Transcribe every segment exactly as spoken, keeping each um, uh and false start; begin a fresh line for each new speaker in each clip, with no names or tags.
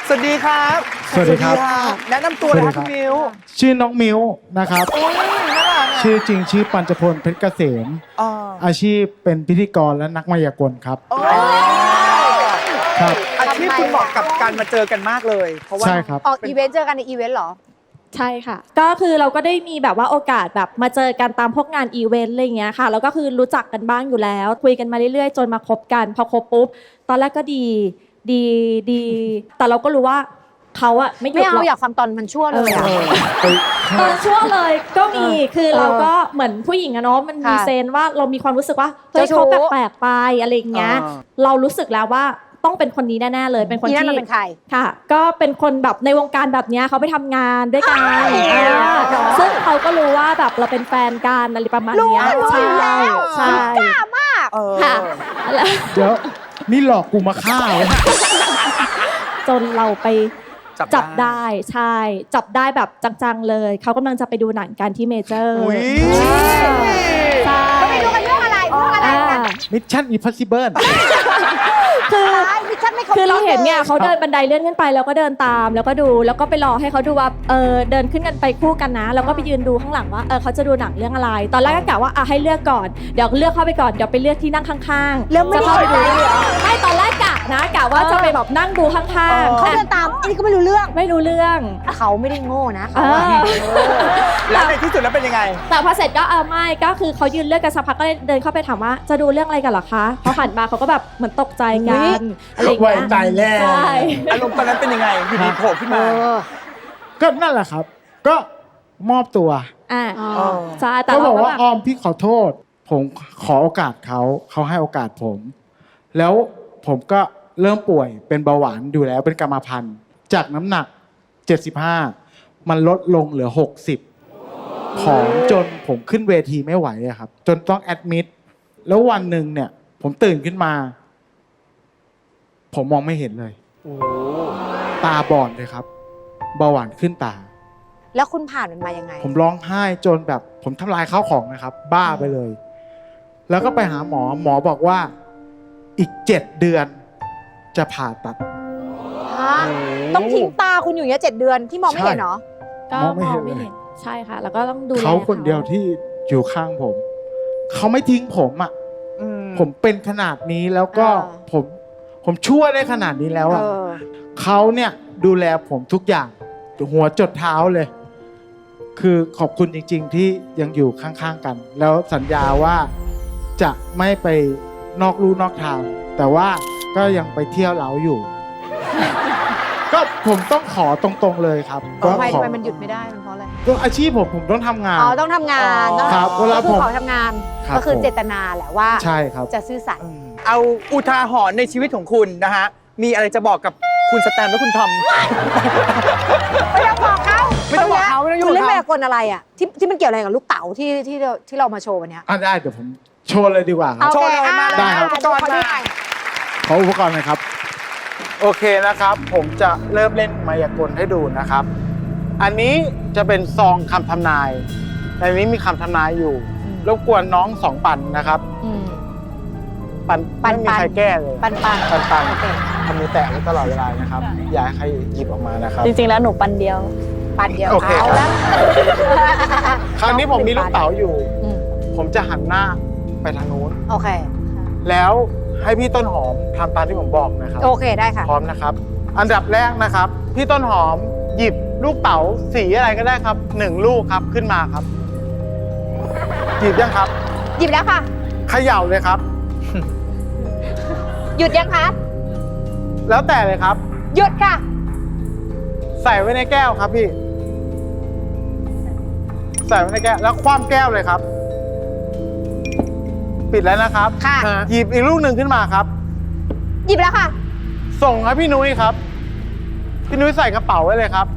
สวัสดีครับ
สวัสดีครับ
แนะนำตัวเลยครับคุณมิว
ชื่อน้องมิวนะครับ
โอ้ยน่ารักอะ
ชื่อจริงชื่อปัญจพลเพชรเกษม
อ๋อ
อาชีพเป็นพิธีกรและนักมายากลครับ
โอ้
ครับ
อาชีพคุณเหมาะกับการมาเจอกันมากเลย เพราะว่า
ใช่ครับ
ออกอีเวนต์เจอกันในอีเวนต์เหรอ
ใช่ค่ะ ก็คือเราก็ได้มีแบบว่าโอกาสแบบมาเจอกันตามพวกงานอีเวนต์อะไรอย่างเงี้ยค่ะ แล้วก็คือรู้จักกันบ้างอยู่แล้ว คุยกันมาเรื่อยๆ จนมาคบกัน พอคบปุ๊บ ตอนแรกก็ดี ดีดี แต่เราก็รู้ว่าเขาอะไม่หยุ
ไม่
ดหร
เอา
อก
อยากฟังตอนมันชั่วเลยอะ
ตอนชั่วเลยก็มี คือเราก็เหมือนผู้หญิงอะเนาะ มันมี
ค่ะ
เซนว่าเรามีความรู้สึกว่าเฮ้ย
เจ้าชู้
เขาแปลกๆไปอะไรอย่างเงี้ย เรารู้สึกแล้วว่าต้องเป็นคนนี้แน่ๆเลย เป็นคน
อีนั่น
ที่
มันเป็นใคร
ค่ะ ก็เป็นคนแบบในวงการแบบเนี้ยเขาไปทำงานด้วยกัน
อ้าว
อ่าซึ่งเขาก็รู้ว่าแบบเราเป็นแฟนกันอะไรประมาณเนี้ย
รู้
ใช่
อยู่แล้ว
ใช่
กล้ามาก
เออ
ค่ะแล้ว
เดี๋ยวนี่หลอกกูมาฆ่าเลย
จนเราไป
จั
จั
บบ ได้
ได้ใช่ จับได้แบบจังๆเลย เขากำลังจะไปดูหนังกันที่เมเจอร์
อุ๊ย
ใช่
ก็ไม่รู้กันเรื่องอะไรเรื่องอะไร
อ่า
กัน
มิชชั่นอิมพอสซิเบิล
คือ
ตายมิชชั่นไม่ครบ
คือเราเห็นเนี่ย
ล
เขาเดินบันไดเลื่อนขึ้นไปแล้วก็เดินตามแล้วก็ดูแล้วก็ไปรอให้เขาดูว่าเออเดินขึ้นกันไปคู่กันนะแล้วก็ไปยืนดูข้างหลังว่าเออเขาจะดูหนังเรื่องอะไร ตอนแรกก็กะว่าอ่ะให้เลือกก่อนเดี๋ยวเลือกเข้าไปก่อนเดี๋ยวไปเลือกที่นั่งข้างๆ
แล้วไม่ได้
จะเข้าไปดู
เลยเหรอ
ไม่ตอนแรกกะนะกะว่าจะไปแบบนั่งดูข้าง
เขา
ๆ
เดินตามอันนี้ก็ไม่รู้เรื่อง
ไม่รู้เรื่อง
เขาไม่ได้โง่นะ
เอ
เขาอะ
อ
แล้วในที่สุดแล้วเป็นยังไง
แต่พอเสร็จก็เออไม่ก็คือเขายืนเลือกกันสักพักก็เลยเดินเข้าไปถามว่าจะดูเรื่องอะไรกันเหรอคะเขาหันมาเขาก็แบบเหมือนตกใจกันอะไรอย่างเงี้ย
ไว้ใจแล้ว
ใช่
อารมณ์ตอนนั้นเป็นยังไง อยู่ดีโผล่ขึ้น
เอ
มา
อ
ก็นั่นแหละครับ ก็มอบตัว
อ่า
อ๋อ
เออ
ใช่แต่
ก็บ
เรา
อก
ก็
ว่า
แบบ
ออมพี่ขอโทษ ผมขอโอกาสเขาเขาให้โอกาสผม แล้วผมก็เริ่มป่วยเป็นเบาหวานอยู่แล้วเป็นกรรมพันธุ์จากน้ำหนักเจ็ดสิบห้ามันลดลงเหลือหกสิบผอมจนผมขึ้นเวทีไม่ไหวอะครับ จนต้องแอดมิดแล้ววันหนึ่งเนี่ย ผมตื่นขึ้นมา ผมมองไม่เห็นเลย
โอ้
ตาบอดเลยครับเบาหวานขึ้นตา
แล้วคุณผ่านมันมายังไง
ผมร้องไห้จนแบบ ผมทำลายข้าวของนะครับ บ้าไปเลย แล้วก็ไปหาหมอหมอบอกว่าอีกเจ็ดเดือนจะผ่าตัด
ฮะ ต้องทิ้งตาคุณอยู่อย่างเงี้ยเจ็ดเดือนที่มองไม่เห็นเหรอ
ก็
มองไม่
ม
เห็
อน งไม่
เลย
เห็นใช่ค่ะ แล้วก็ต้องดูแล
เขาคนเดียวที่อยู่ข้างผม เขาไม่ทิ้งผมอ่ะ
อืม
ผมเป็นขนาดนี้แล้วก็
เออ
ผม ผมชั่วได้ขนาดนี้แล้ว
เอ
อ่ะ
อ
เขาเนี่ยดูแลผมทุกอย่างหัวจดเท้าเลย คือขอบคุณจริง ๆ ที่ยังอยู่ข้างๆกัน แล้วสัญญาว่าจะไม่ไปนอกลู่นอกทาง แต่ว่าก็ยังไปเที่ยวเล้าอยู่ ก็ผมต้องขอตรงๆเลยครับ
ทำไม
ข
ทำ
อ
ไมมันหยุดไม่ได้มันเพราะอะไร
ก็อาชีพผมผมต้องทำงาน
อ๋อ ต้องทำงานต้อง
ครับเวลา
ก็คือ
ผม
ขอทำงาน
ครับ
ก็คือ
ผม
เจตนาแหละว่า
ใช่ครับ
จะซื่อสัตย์
เอาอุทาหรณ์ในชีวิตของคุณนะฮะ มีอะไรจะบอกกับคุณสแตมและคุณทอม
ไม่ต้องบอกเขา
ไม่ต้องบอกเขาไม่ต้องยุ่ง
คุณเล่น
กับ
แม
เขา
วกลอะไรอ่ะที่ที่มันเกี่ยวอะไรกับลูกเต๋าที่ที่เราที่เรามาโชว์วันเนี้ย
อ่ะได้เดี๋ยวผมโชว์เลยดีกว่าครับ
เอา
โชว์เลย
อ่ะ
มา
ได้ครับ
อุปกรณ์
ขอดู
มา
หน่อย
ขออุปกรณ์หน่อยครับ โอเคนะครับ ผมจะเริ่มเล่นมายากลให้ดูนะครับ อันนี้จะเป็นซองคำทำนาย ในนี้มีคำทำนายอยู่ รบกวนน้องสองปันนะครับ
อืม
ปัน
ปัน
ไม่มี
ปัน
ใครแก้เลย
ปันปัน
ปันปัน
โอเค
ทำมือแตะไว้ตลอดเวลานะครับ อย่าให้ใครหยิบออกมานะครับ
จริงๆ แล้วหนูปันเดียว
ปันเดียว
โอเค
เอา
ครับ
แล้ว
คราวนี้ผมมีลูกเต๋าอยู่
อืม
ผมจะหันหน้าไปทางนู้น
โอเค
แล้วให้พี่ต้นหอมทำตามที่ผมบอกนะครับ
โอเคได้ค่ะ
พร้อมนะครับ อันดับแรกนะครับ พี่ต้นหอมหยิบลูกเต๋าสีอะไรก็ได้ครับหนึ่งลูกครับขึ้นมาครับ หยิบยังครับ
หยิบแล้วค่ะ
เขย่าเลยครับ
หยุดยังคะ
แล้วแต่เลยครับ
หยุดค่ะ
ใส่ไว้ในแก้วครับพี่ ใส่ไว้ในแก้วแล้วคว่ำแก้วเลยครับ ปิดแล้วนะครับ
ค่ะ
หยิบอีกลูกหนึ่งขึ้นมาครับ
หยิบแล้วค่ะ
ส่งครับพี่นุ้ยครับ พี่นุ้ยใส่กระเป๋าไว้เลยครับ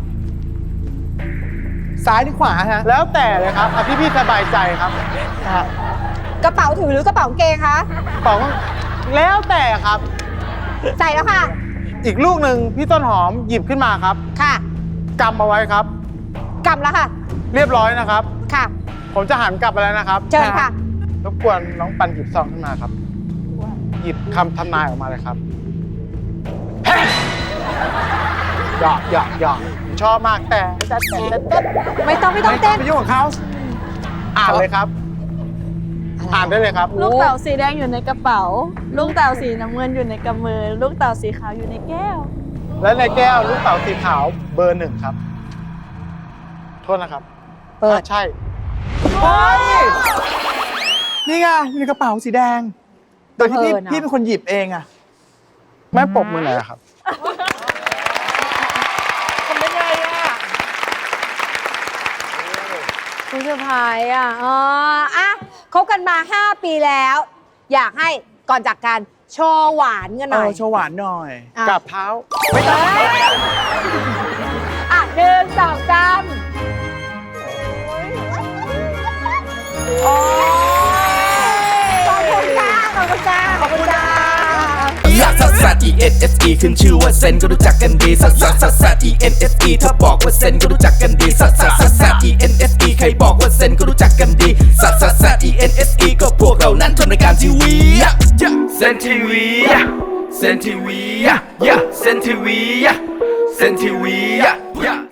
ซ้ายหรือขวาฮะ
แล้วแต่เลยครับเอาที่พี่สบายใจครับ
กระเป๋าถือหรือกระเป๋ากางเกงคะ
กระเป๋าแล้วแต่ครับ
ใส่แล้วค่ะ
อีกลูกหนึ่งพี่ต้นหอมหยิบขึ้นมาครับ
ค่ะ
กำเอาไว้ครับ
กำแล้วค่ะ
เรียบร้อยนะครับ
ค่ะ
ผมจะหันกลับไปแล้วนะครับ
เชิญค่ะ
รบกวนน้องปันหยิบซองขึ้นมาครับ หยิบคำทำนายออกมาเลยครับหยอกหยอกหยอกผมชอบมากแต่แต่แต่แต่แต่
ไม่ต้องไม่ต้อง
ไม่ต้
เต้
อง
น
ไปยุ่งกับเขา
อ่านเลยครับ อ่านได้เลยครับ
ลูกเต่าสีแดงอยู่ในกระเป๋า ลูกเต่าสีน้ำเงินอยู่ในกำมือ ลูกเต่าสีขาวอยู่ในแก้ว
และในแก้วลูกเต๋าสีขาวเบอร์หนึ่งครับ โทษนะครับ
เปิด
อ่ะใช่
เฮ้ยนี่ไงอยู่ในกระเป๋าสีแดง โดยที่พี่
เออเนอะ
พี่เป็นคนหยิบเองอะ
แม่ปรบมือหน่อยครับ
ทำได้ไงอะ
คุณเซอร์ไพรส์อ่ะอ๋ออ่ะคบกันมา ห้า ปีแล้ว อยากให้ก่อนจากกันโชว์หวานกันห
เอ
น่อย
อโชว์หวานหน่อย
อ่ะ
กับเท้า
ไม่ต้อง
อ่ะหนึ่งสองสามโอ้ยขอบคุณจ้าขอบคุณจ้าขอบคุณจ้า
ลักซัสซัส E N S E ขึ้นชื่อว่าเซนก็รู้จักกันดีซัสซัสซัสซัส E N S E ถ้าบอกว่าเซนก็รู้จักกันดีซัสซัสซัสซัส E N S E ใครบอกว่าเซนก็รู้จักกันดีซัสซัสซัส E N S E ก็พวกเรานั้นทำรายการทีวีเซนทีวีเซนทีวีเซนทีวีเซนทีวี